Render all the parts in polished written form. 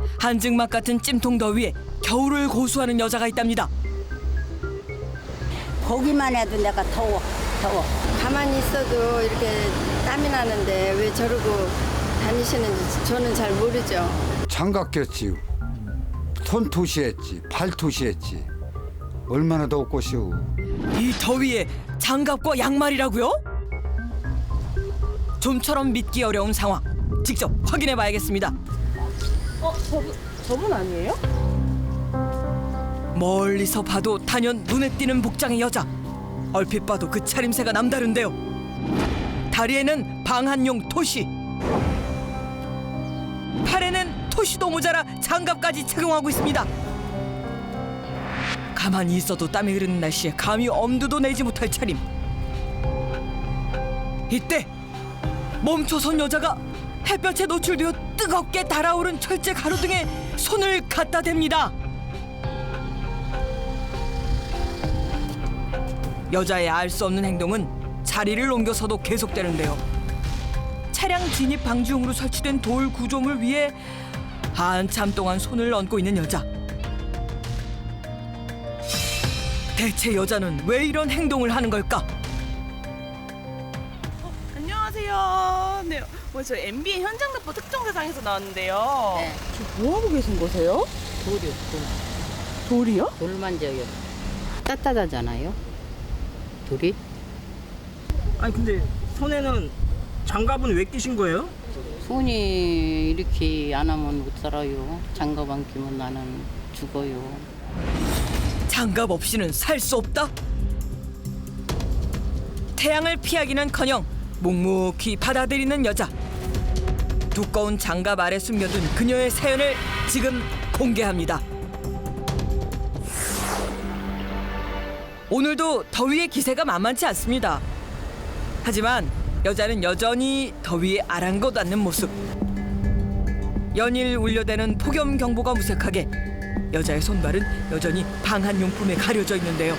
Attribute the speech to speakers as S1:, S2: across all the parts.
S1: 한증막 같은 찜통 더위에 겨울을 고수하는 여자가 있답니다.
S2: 보기만 해도 내가 더워.
S3: 가만히 있어도 이렇게 땀이 나는데 왜 저러고 다니시는지 저는 잘 모르죠.
S4: 장갑 꼈지, 손 투시했지, 발 투시했지. 얼마나 덥고시오.
S1: 이 더위에 장갑과 양말이라고요? 좀처럼 믿기 어려운 상황. 직접 확인해 봐야겠습니다.
S5: 저분 아니에요?
S1: 멀리서 봐도 단연 눈에 띄는 복장의 여자. 얼핏 봐도 그 차림새가 남다른데요. 다리에는 방한용 토시, 팔에는 토시도 모자라 장갑까지 착용하고 있습니다. 가만히 있어도 땀이 흐르는 날씨에 감히 엄두도 내지 못할 차림. 이때 멈춰선 여자가 햇볕에 노출되어 뜨겁게 달아오른 철제 가로등에 손을 갖다 댑니다. 여자의 알 수 없는 행동은 자리를 옮겨서도 계속되는데요. 차량 진입 방지용으로 설치된 돌 구조물 위에 한참 동안 손을 얹고 있는 여자. 대체 여자는 왜 이런 행동을 하는 걸까?
S5: 안녕하세요. 네, 저 MB의 현장 납부 특정 대상에서 나왔는데요.
S2: 네.
S5: 지금 뭐 하고 계신 거세요?
S2: 돌이요.
S5: 돌이요?
S2: 돌 만져요. 따뜻하잖아요. 돌이.
S6: 아니 근데 손에는 장갑은 왜 끼신 거예요?
S2: 손이 이렇게 안 하면 못 살아요. 장갑 안 끼면 나는 죽어요.
S1: 장갑 없이는 살 수 없다? 태양을 피하기는커녕 묵묵히 받아들이는 여자. 두꺼운 장갑 아래 숨겨둔 그녀의 사연을 지금 공개합니다. 오늘도 더위의 기세가 만만치 않습니다. 하지만 여자는 여전히 더위에 아랑곳 않는 모습. 연일 울려대는 폭염 경보가 무색하게 여자의 손발은 여전히 방한용품에 가려져 있는데요.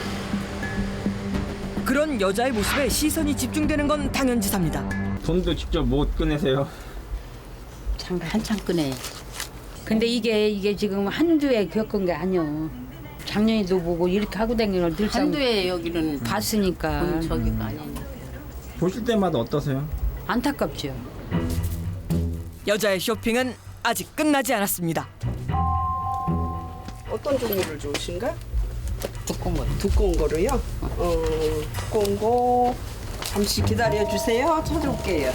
S1: 그런 여자의 모습에 시선이 집중되는 건 당연지사입니다.
S6: 손도 직접 못 꺼내세요.
S2: 장갑 한참 끄네. 근데 이게 지금 한두해 겪은 게 아니오. 작년에도 보고 이렇게 하고 다니는 걸 늘 한두해 여기는 봤으니까. 저기가 아니니.
S6: 보실 때마다 어떠세요?
S2: 안타깝죠.
S1: 여자의 쇼핑은 아직 끝나지 않았습니다.
S5: 어떤 종류를 좋으신가?
S2: 두꺼운 거.
S5: 두꺼운 거로요? 두꺼운 거 잠시 기다려 주세요. 찾아올게요.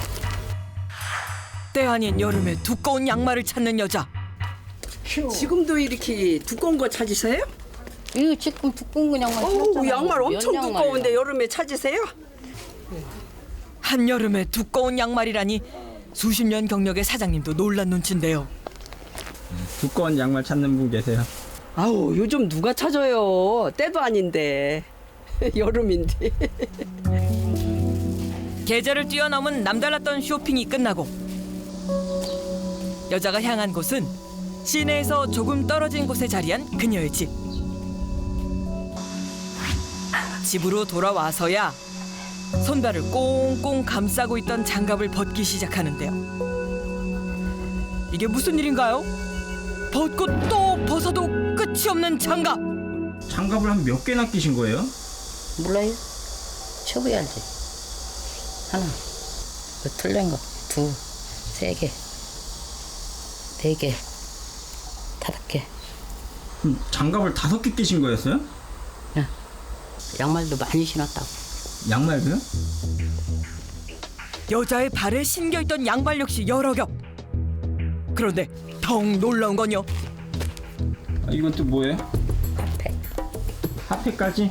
S1: 때 아닌 여름에 두꺼운 양말을 찾는 여자.
S5: 지금도 이렇게 두꺼운 거 찾으세요?
S2: 이거 지금 두꺼운 거 양말
S5: 어우,
S2: 신었잖아요.
S5: 양말 엄청
S2: 면 양말이야.
S5: 두꺼운데 여름에 찾으세요?
S1: 한여름에 두꺼운 양말이라니 수십 년 경력의 사장님도 놀란 눈치인데요.
S6: 두꺼운 양말 찾는 분 계세요?
S5: 아우, 요즘 누가 찾아요? 때도 아닌데. 여름인데.
S1: 계절을 뛰어넘은 남달랐던 쇼핑이 끝나고 여자가 향한 곳은 시내에서 조금 떨어진 곳에 자리한 그녀의 집. 집으로 돌아와서야 손발을 꽁꽁 감싸고 있던 장갑을 벗기 시작하는데요. 이게 무슨 일인가요? 벗고 또 벗어도 끝이 없는 장갑.
S6: 장갑을 한 몇 개나 끼신 거예요?
S2: 몰라요? 쳐봐야지. 하나, 그 틀린 거, 둘, 세 개, 네 개, 다섯 개.
S6: 장갑을 5개 끼신 거였어요?
S2: 양말도 많이 신었다고.
S6: 양말도요?
S1: 여자의 발에 신겨있던 양발 역시 여러 겹. 그런데 더욱 놀라운 건요.
S6: 아, 이건 또 뭐예요? 핫팩까지?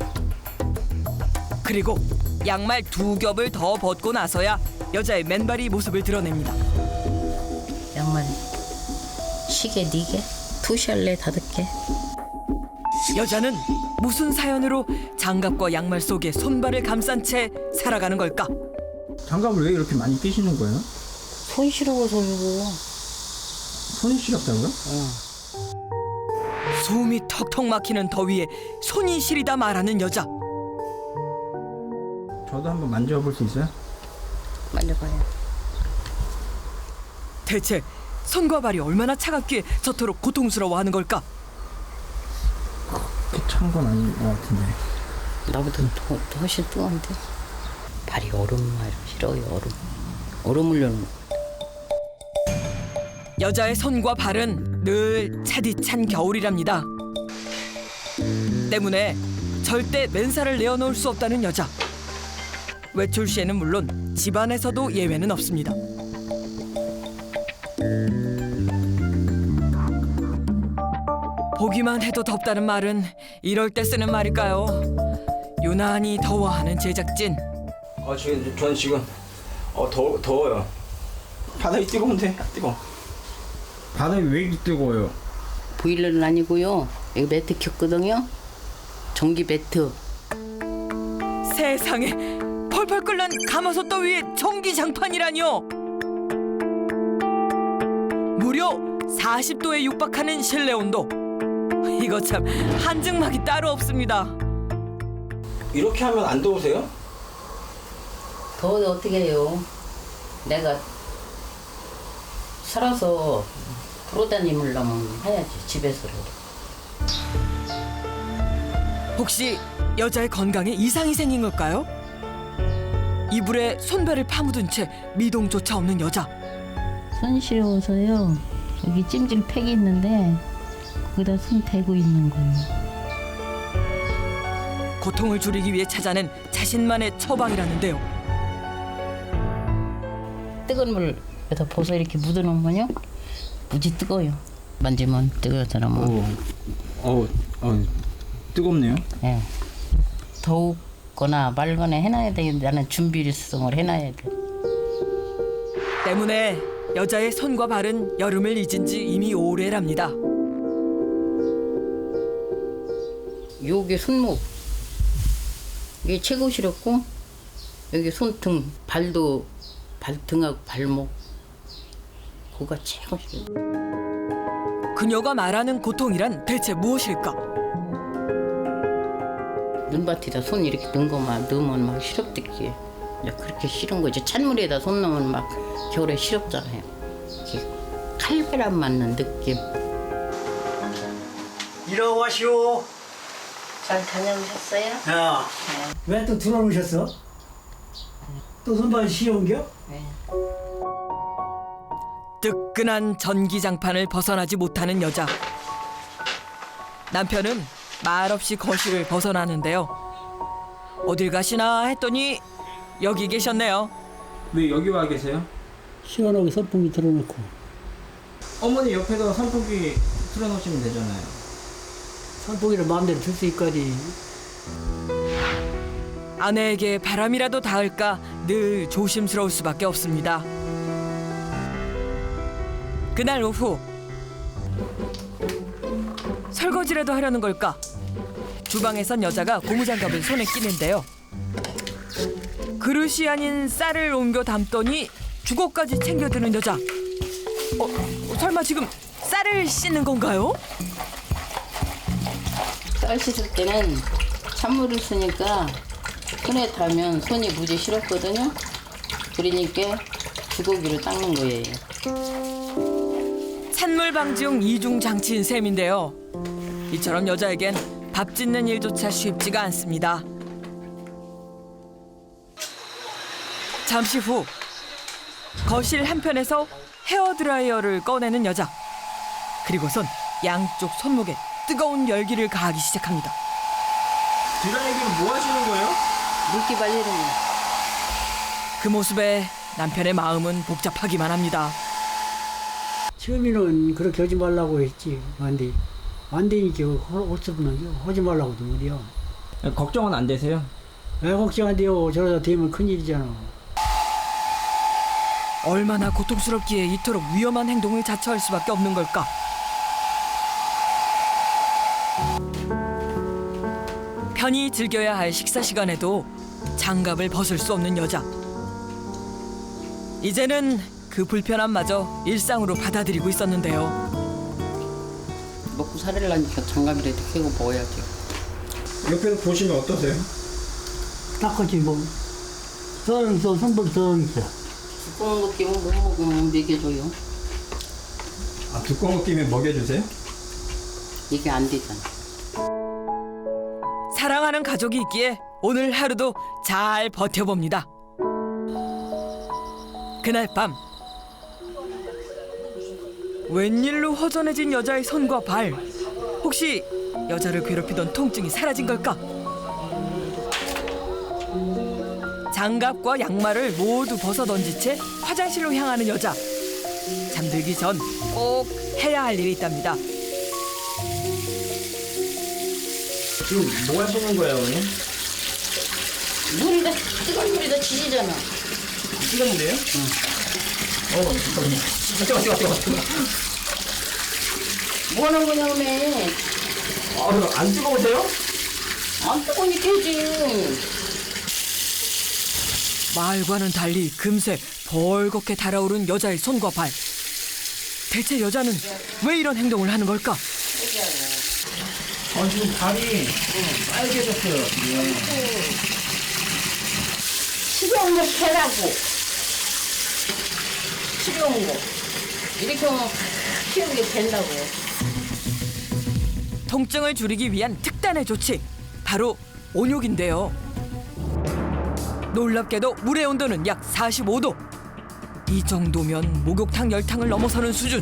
S1: 그리고 양말 2겹을 더 벗고 나서야 여자의 맨발이 모습을 드러냅니다.
S2: 양말 시계 4개, 투샬레 5개.
S1: 여자는 무슨 사연으로 장갑과 양말 속에 손발을 감싼 채 살아가는 걸까?
S6: 장갑을 왜 이렇게 많이 끼시는 거예요?
S2: 손 시려워서 이거.
S6: 손이 시렵다고요?
S1: 숨이 턱턱 막히는 더위에 손이 시리다 말하는 여자.
S6: 저도 한번 만져볼 수 있어요?
S2: 만져봐요.
S1: 대체 손과 발이 얼마나 차갑기에 저토록 고통스러워하는 걸까?
S6: 그렇게 찬 건 아닌 것 같은데.
S2: 나보다 더 훨씬 뜨거운데. 발이 얼음말 싫어요. 얼음 물려는 거.
S1: 여자의 손과 발은 늘 차디찬 겨울이랍니다. 때문에 절대 맨살을 내어놓을 수 없다는 여자. 외출 시에는 물론 집안에서도 예외는 없습니다. 보기만 해도 덥다는 말은 이럴 때 쓰는 말일까요? 유난히 더워하는 제작진.
S6: 저는 지금 더워요. 바닥이 뜨거운데 뜨거. 바닥이 왜 이렇게 뜨거워요?
S2: 보일러는 아니고요. 여기 매트 켰거든요. 전기 매트.
S1: 세상에 펄펄 끓는 가마솥 더위에 전기장판이라뇨. 무려 40도에 육박하는 실내 온도. 이거 참 한증막이 따로 없습니다.
S6: 이렇게 하면 안 더우세요?
S2: 더워도 어떻게 해요? 내가 살아서 돌아다니려면 해야지 집에서라도.
S1: 혹시 여자의 건강에 이상이 생긴 걸까요? 이불에 손발을 파묻은 채 미동조차 없는 여자.
S7: 손 시려워서요. 여기 찜질 팩이 있는데 거기다 손 대고 있는 거예요.
S1: 고통을 줄이기 위해 찾아낸 자신만의 처방이라는데요.
S2: 뜨거운 물에다 벗어 이렇게 묻어놓으면요. 무지 뜨거워요. 만지면 뜨거워잖아 뭐.
S6: 뜨겁네요.
S2: 예. 더우거나 말거나 해놔야 돼. 나는 준비성을 해놔야 돼.
S1: 때문에 여자의 손과 발은 여름을 잊은 지 이미 오래랍니다.
S2: 여기 손목 이게 최고 싫었고 여기 손등 발도 발등하고 발목 그거가 최고 싫어.
S1: 그녀가 말하는 고통이란 대체 무엇일까?
S2: 눈밭에다 손 이렇게 넣으면 막 시럽듣기. 그렇게 싫은 거지. 찬물에다 손 넣으면 막 겨울에 시럽잖아요. 이렇게 칼바람 맞는 느낌.
S8: 일어나시오.
S2: 잘 다녀오셨어요?
S8: 야, 왜 또 들어오셨어? 또 손발 시려운겨?
S2: 네.
S1: 뜨끈한 전기장판을 벗어나지 못하는 여자. 남편은 말없이 거실을 벗어나는데요. 어딜 가시나 했더니 여기 계셨네요.
S6: 왜 여기 와 계세요?
S8: 시원하게 선풍기 틀어놓고.
S6: 어머니 옆에다 선풍기 틀어놓으시면 되잖아요.
S8: 선풍기를 마음대로 틀 수 있거니.
S1: 아내에게 바람이라도 닿을까 늘 조심스러울 수밖에 없습니다. 그날 오후 설거지라도 하려는 걸까? 주방에선 여자가 고무장갑을 손에 끼는데요. 그릇이 아닌 쌀을 옮겨 담더니 주걱까지 챙겨드는 여자. 설마 지금 쌀을 씻는 건가요?
S2: 쌀 씻을 때는 찬물을 쓰니까 손에 닿으면 손이 무지 시렵거든요. 그러니까 주걱이로 닦는 거예요.
S1: 찬물 방지용 이중 장치인 셈인데요. 이처럼 여자에겐 밥 짓는 일조차 쉽지가 않습니다. 잠시 후 거실 한편에서 헤어드라이어를 꺼내는 여자. 그리고선 양쪽 손목에 뜨거운 열기를 가하기 시작합니다.
S6: 드라이기는 뭐 하시는 거예요?
S2: 물기 발리는 거.
S1: 그 모습에 남편의 마음은 복잡하기만 합니다.
S8: 처음에는 그렇게 하지 말라고 했지. 안 되니까 없으면 하지 말라고도 못해요.
S6: 걱정은 안 되세요?
S8: 왜 걱정 안 돼요? 저러다 되면 큰일이잖아.
S1: 얼마나 고통스럽기에 이토록 위험한 행동을 자처할 수밖에 없는 걸까? 편히 즐겨야 할 식사 시간에도 장갑을 벗을 수 없는 여자. 이제는 그 불편함마저 일상으로 받아들이고 있었는데요.
S2: 먹고 살으려니까 장갑이라도 끼고 먹어야죠.
S6: 옆에서 보시면 어떠세요?
S8: 닦았지 뭐. 선벌 더 있어.
S2: 두꺼운 거 끼면 못 먹으면 먹여줘요.
S6: 두꺼운 거 끼면 먹여주세요?
S2: 이게 안 되잖아.
S1: 사랑하는 가족이 있기에 오늘 하루도 잘 버텨봅니다. 그날 밤 웬일로 허전해진 여자의 손과 발. 혹시 여자를 괴롭히던 통증이 사라진 걸까? 장갑과 양말을 모두 벗어던진 채 화장실로 향하는 여자. 잠들기 전 꼭 해야 할 일이 있답니다.
S6: 지금 뭐 하시는 거예요, 어머니?
S2: 물이다, 뜨거운 물이다 지지잖아.
S6: 뜨거운데요? 응. 잠깐만.
S2: 뭐 하는 거냐, 오메?
S6: 그럼 안 뜨거우세요?
S2: 안 뜨거우니 되지.
S1: 말과는 달리 금세 벌겋게 달아오른 여자의 손과 발. 대체 여자는 왜 이런 행동을 하는 걸까?
S6: 지금 발이 빨개졌어요.
S2: 식용물 캐라고. 식용물. 이렇게 하면 키우게 된다고.
S1: 통증을 줄이기 위한 특단의 조치. 바로 온욕인데요. 놀랍게도 물의 온도는 약 45도. 이 정도면 목욕탕 열탕을 넘어서는 수준.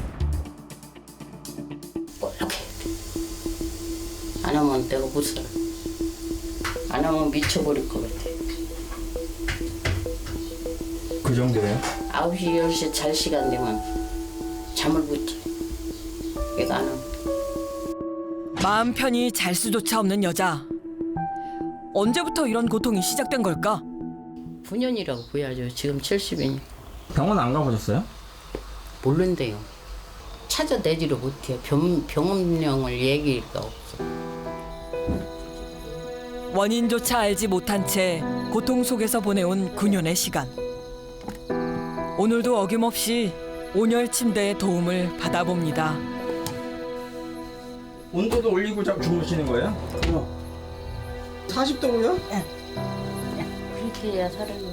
S2: 이렇게. 안 하면 내가 못 살아. 안 하면 미쳐버릴 것 같아.
S6: 그 정도예요?
S2: 9시, 10시 잘 시간 되면 잠을 못 자. 얘가 안 하면.
S1: 마음 편히 잘 수조차 없는 여자. 언제부터 이런 고통이 시작된 걸까?
S2: 9년이라고 보야죠. 지금 70이니.
S6: 병원 안 가보셨어요?
S2: 모른대요. 찾아내지를 못해요. 병원명을 얘기가 없어.
S1: 원인조차 알지 못한 채 고통 속에서 보내온 9년의 시간. 오늘도 어김없이 온열 침대의 도움을 받아봅니다.
S6: 온도도 올리고 주무시는 거예요? 40도고요?
S2: 그렇게 해야 살아요.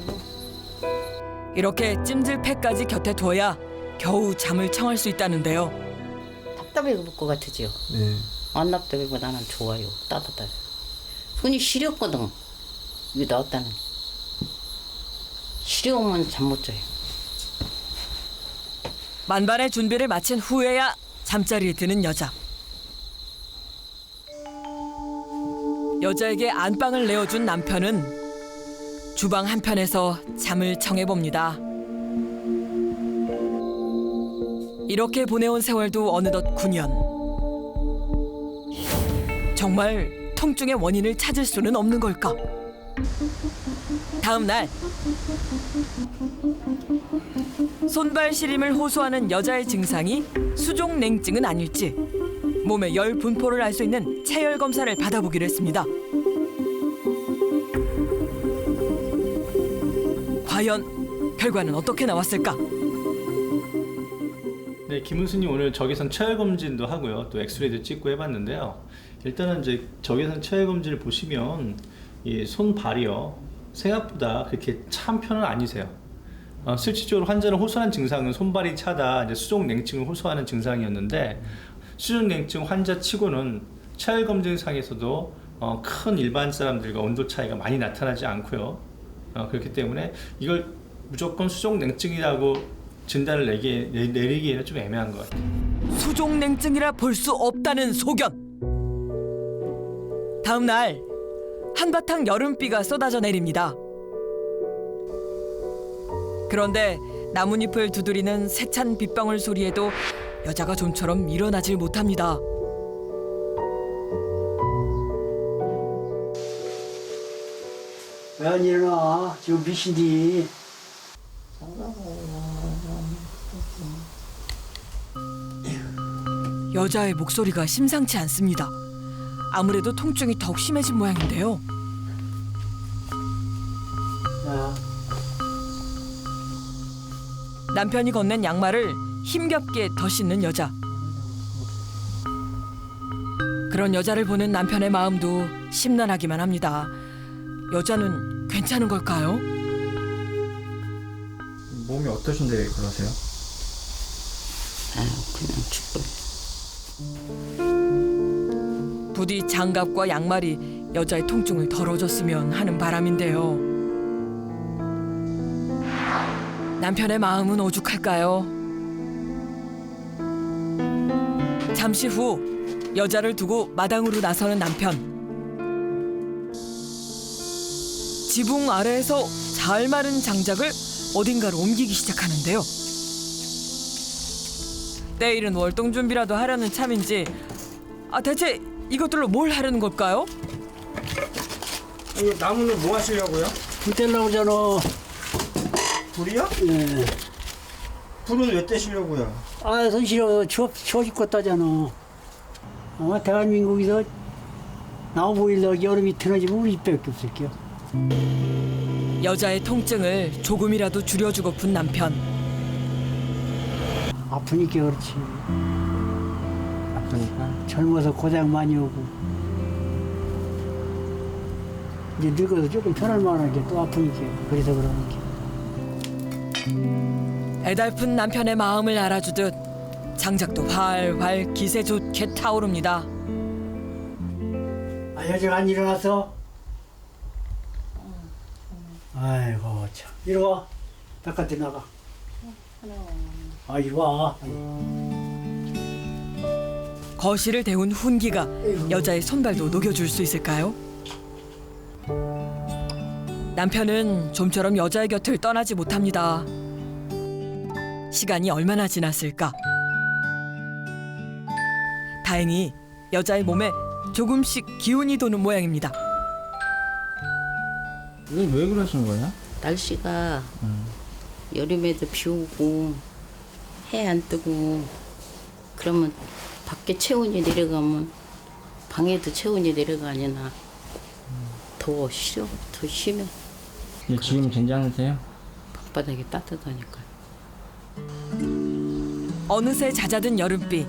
S1: 이렇게 찜질팩까지 곁에 둬야 겨우 잠을 청할 수 있다는데요.
S2: 답답해 볼 것 같으죠?
S6: 네.
S2: 안 답답하고 나는 좋아요. 따뜻해. 손이 시렸거든. 이거 나왔다는. 시려우면 잠 못 자요.
S1: 만반의 준비를 마친 후에야 잠자리에 드는 여자. 여자에게 안방을 내어준 남편은 주방 한편에서 잠을 청해봅니다. 이렇게 보내온 세월도 어느덧 9년. 정말 통증의 원인을 찾을 수는 없는 걸까? 다음 날 손발 시림을 호소하는 여자의 증상이 수족 냉증은 아닐지 몸의 열 분포를 알 수 있는 체열 검사를 받아보기로 했습니다. 과연 결과는 어떻게 나왔을까?
S9: 네, 김은수님 오늘 적외선 체열 검진도 하고요, 또 엑스레이도 찍고 해봤는데요. 일단은 이제 적외선 체열 검진을 보시면 이 손발이요 생각보다 그렇게 찬 편은 아니세요. 실질적으로 환자를 호소하는 증상은 손발이 차다, 이제 수족 냉증을 호소하는 증상이었는데 수족 냉증 환자치고는 체열 검진상에서도 큰 일반 사람들과 온도 차이가 많이 나타나지 않고요. 그렇기 때문에 이걸 무조건 수족 냉증이라고 진단을 내리기에는 좀 애매한 것 같아요.
S1: 수족 냉증이라 볼 수 없다는 소견. 다음 날 한바탕 여름비가 쏟아져 내립니다. 그런데 나뭇잎을 두드리는 세찬 빗방울 소리에도 여자가 좀처럼 일어나질 못합니다.
S8: 왜 안 일어나? 지금 몇 시니?
S1: 여자의 목소리가 심상치 않습니다. 아무래도 통증이 더욱 심해진 모양인데요.
S8: 야,
S1: 남편이 건넨 양말을 힘겹게 더 신는 여자. 그런 여자를 보는 남편의 마음도 심란하기만 합니다. 여자는 괜찮은 걸까요?
S6: 몸이 어떠신데 그러세요?
S2: 아유, 그냥 죽고.
S1: 부디 장갑과 양말이 여자의 통증을 덜어줬으면 하는 바람인데요. 남편의 마음은 오죽할까요? 잠시 후 여자를 두고 마당으로 나서는 남편. 지붕 아래에서 잘 마른 장작을 어딘가로 옮기기 시작하는데요. 때이른 월동 준비라도 하려는 참인지 대체 이것들로 뭘 하려는 걸까요?
S6: 이 나무는 뭐 하시려고요?
S8: 불 떼려고 그러잖아.
S6: 불이요?
S8: 예.
S6: 불은 왜 떼시려고요?
S8: 아, 손 시려 추워 죽겠다잖아. 대한민국에서 나무 보일러 여름이 틀어지면 우리 집밖에 없을게요.
S1: 여자의 통증을 조금이라도 줄여주고픈 남편.
S8: 아프니까 그렇지.
S6: 아프니까.
S8: 젊어서 고생 많이 오고 이제 늙어서 조금 편할 만하게 또 아프니까 그래서 그러는 게.
S1: 애달픈 남편의 마음을 알아주듯 장작도 활활 기세 좋게 타오릅니다.
S8: 아, 여자가 안 일어났어? 아이고 참. 이리 와. 바깥에 나가. 아, 이리 와.
S1: 거실을 데운 훈기가 여자의 손발도 녹여줄 수 있을까요? 남편은 좀처럼 여자의 곁을 떠나지 못합니다. 시간이 얼마나 지났을까? 다행히 여자의 몸에 조금씩 기운이 도는 모양입니다.
S6: 왜 그러신 거예요?
S2: 날씨가 여름에도 비 오고 해 안 뜨고 그러면 밖에 체온이 내려가면 방에도 체온이 내려가니나 더 싫어, 더 심해.
S6: 지금 괜찮으세요?
S2: 방바닥이 따뜻하니까.
S1: 어느새 잦아든 여름비.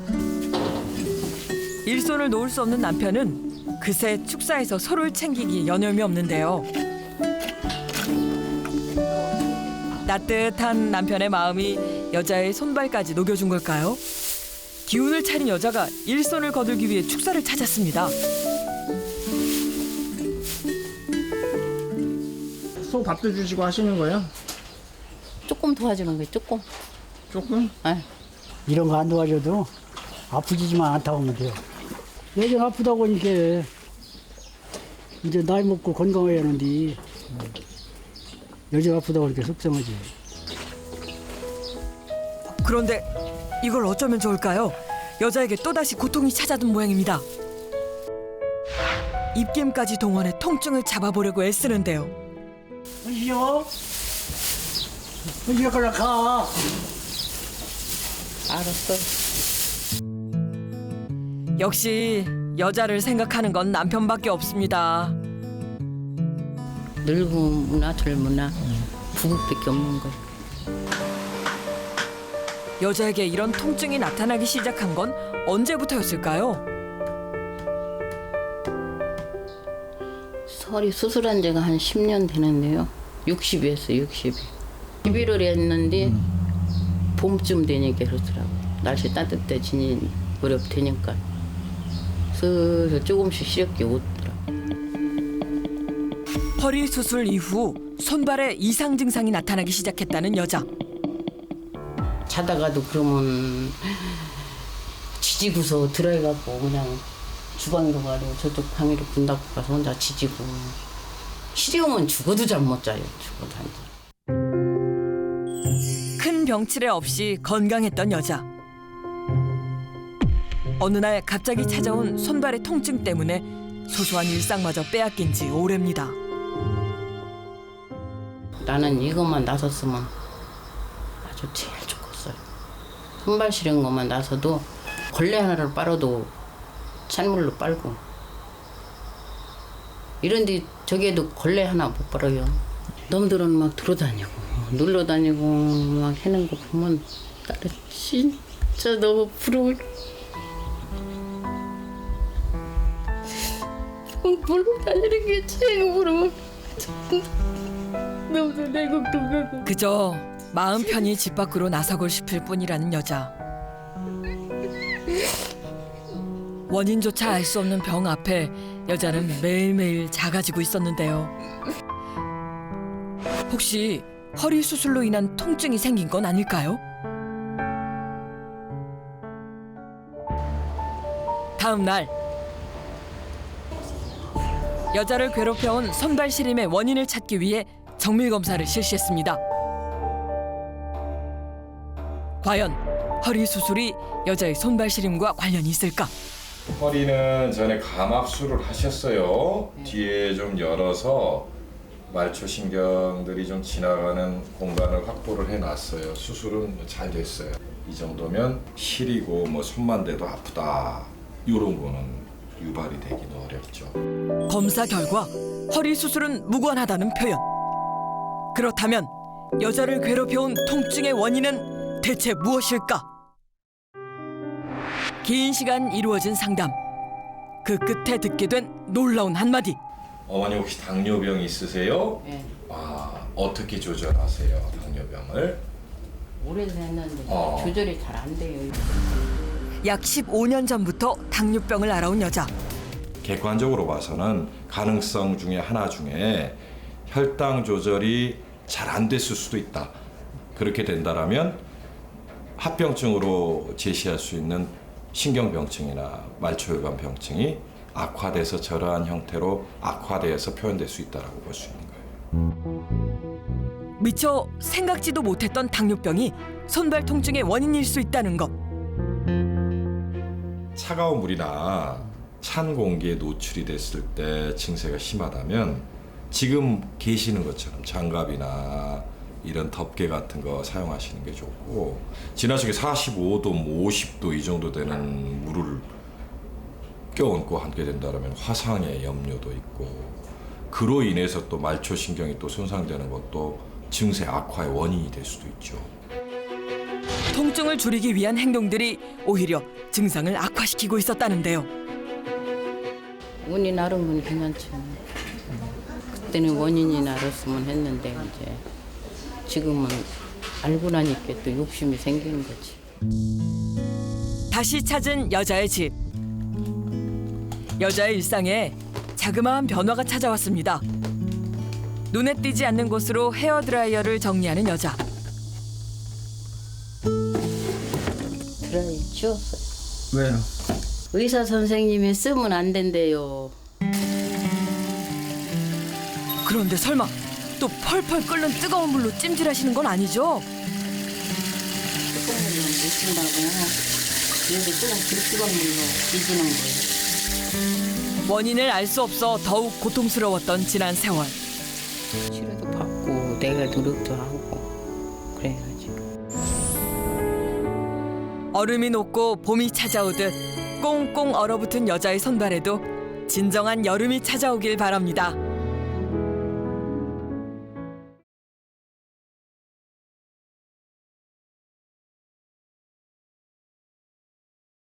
S1: 일손을 놓을 수 없는 남편은 그새 축사에서 서로를 챙기기 여념이 없는데요. 따뜻한 남편의 마음이 여자의 손발까지 녹여준 걸까요? 기운을 차린 여자가 일손을 거들기 위해 축사를 찾았습니다.
S6: 소 밥도 주시고 하시는 거예요?
S2: 조금 도와주는 거예요, 조금.
S6: 조금?
S8: 이런 거 안 도와줘도 아프지만 않다고 하면 돼요. 예전 아프다고 하니까 이제 나이 먹고 건강해야 하는데 여자 아프다고 하니까 속상하지.
S1: 그런데 이걸 어쩌면 좋을까요? 여자에게 또다시 고통이 찾아든 모양입니다. 입김까지 동원해 통증을 잡아보려고 애쓰는데요.
S8: 은시여, 은시여 걸라 가.
S2: 알았어.
S1: 역시 여자를 생각하는 건 남편밖에 없습니다.
S2: 늙으나 젊으나 부부밖에 없는 거예요.
S1: 여자에게 이런 통증이 나타나기 시작한 건 언제부터였을까요?
S2: 설이 수술한 지가 한 10년 되는데요. 60이었어요, 60이. 11월에 했는데 봄쯤 되니까 그러더라고요. 날씨 따뜻해지니 무렵 되니까 슬슬 조금씩 시렵게 오더라고요.
S1: 허리 수술 이후 손발에 이상 증상이 나타나기 시작했다는 여자.
S2: 자다가도 그러면 지지고서 들어가고 그냥 주방으로 가고 저쪽 방으로 문 닫고 가서 혼자 지지고 시려우면 죽어도 잠 못 자요. 죽어도 안 자.
S1: 큰 병치레 없이 건강했던 여자. 어느 날 갑자기 찾아온 손발의 통증 때문에 소소한 일상마저 빼앗긴 지 오래입니다.
S2: 나는 이것만 나섰으면 아주 제일 좋겠어요. 손발 시린 것만 나서도 걸레 하나를 빨아도 찬물로 빨고 이런데 저기에도 걸레 하나 못 빨아요. 놈들은 막 돌아다니고 놀러다니고 막 해는 거 보면 나는 진짜 너무 부러워요. 놀러 다니는 게 제일 부러워. 너무 내 걱정하고.
S1: 그저 마음 편히 집 밖으로 나서고 싶을 뿐이라는 여자. 원인조차 알 수 없는 병 앞에 여자는 매일매일 작아지고 있었는데요. 혹시 허리 수술로 인한 통증이 생긴 건 아닐까요? 다음 날 여자를 괴롭혀온 손발 시림의 원인을 찾기 위해 정밀 검사를 실시했습니다. 과연 허리 수술이 여자의 손발 시림과 관련이 있을까?
S10: 허리는 전에 감압술을 하셨어요. 뒤에 좀 열어서 말초신경들이 좀 지나가는 공간을 확보를 해놨어요. 수술은 잘 됐어요. 이 정도면 시리고 뭐 손만 대도 아프다. 이런 거는 유발이 되기는 어렵죠.
S1: 검사 결과 허리 수술은 무관하다는 표현. 그렇다면 여자를 괴롭혀온 통증의 원인은 대체 무엇일까? 긴 시간 이루어진 상담. 그 끝에 듣게 된 놀라운 한마디.
S10: 어머니 혹시 당뇨병 있으세요?
S2: 네.
S10: 아, 어떻게 조절하세요, 당뇨병을?
S2: 오래됐는데 조절이 잘 안 돼요.
S1: 약 15년 전부터 당뇨병을 앓아온 여자.
S10: 객관적으로 봐서는 가능성 중에 하나 중에 혈당 조절이 잘 안 됐을 수도 있다. 그렇게 된다라면 합병증으로 제시할 수 있는 신경병증이나 말초혈관 병증이 악화돼서 저러한 형태로 악화돼서 표현될 수 있다라고 볼 수 있는 거예요.
S1: 미처 생각지도 못했던 당뇨병이 손발 통증의 원인일 수 있다는 것.
S10: 차가운 물이나 찬 공기에 노출이 됐을 때 증세가 심하다면 지금 계시는 것처럼 장갑이나 이런 덮개 같은 거 사용하시는 게 좋고, 지나치게 45도, 50도 이 정도 되는 물을 껴얹고 함께 된다면 화상의 염려도 있고, 그로 인해서 또 말초신경이 또 손상되는 것도 증세 악화의 원인이 될 수도 있죠.
S1: 통증을 줄이기 위한 행동들이 오히려 증상을 악화시키고 있었다는데요.
S2: 운이 나른 건 괜찮죠. 그때는 원인이 나렸으면 했는데 이제 지금은 알고 나니까 또 욕심이 생기는 거지.
S1: 다시 찾은 여자의 집. 여자의 일상에 자그마한 변화가 찾아왔습니다. 눈에 띄지 않는 곳으로 헤어드라이어를 정리하는 여자.
S2: 드라이 치웠어요.
S6: 왜요?
S2: 의사 선생님이 쓰면 안 된대요.
S1: 그런데 설마 또 펄펄 끓는 뜨거운 물로 찜질하시는 건 아니죠?
S2: 뜨거운 물로 못 쓴다고. 그래서 뜨거운 물로 뒤지는 거예요.
S1: 원인을 알 수 없어 더욱 고통스러웠던 지난 세월.
S2: 치료도 받고 내가 노력도 하고 그래야지.
S1: 얼음이 녹고 봄이 찾아오듯 꽁꽁 얼어붙은 여자의 손발에도 진정한 여름이 찾아오길 바랍니다.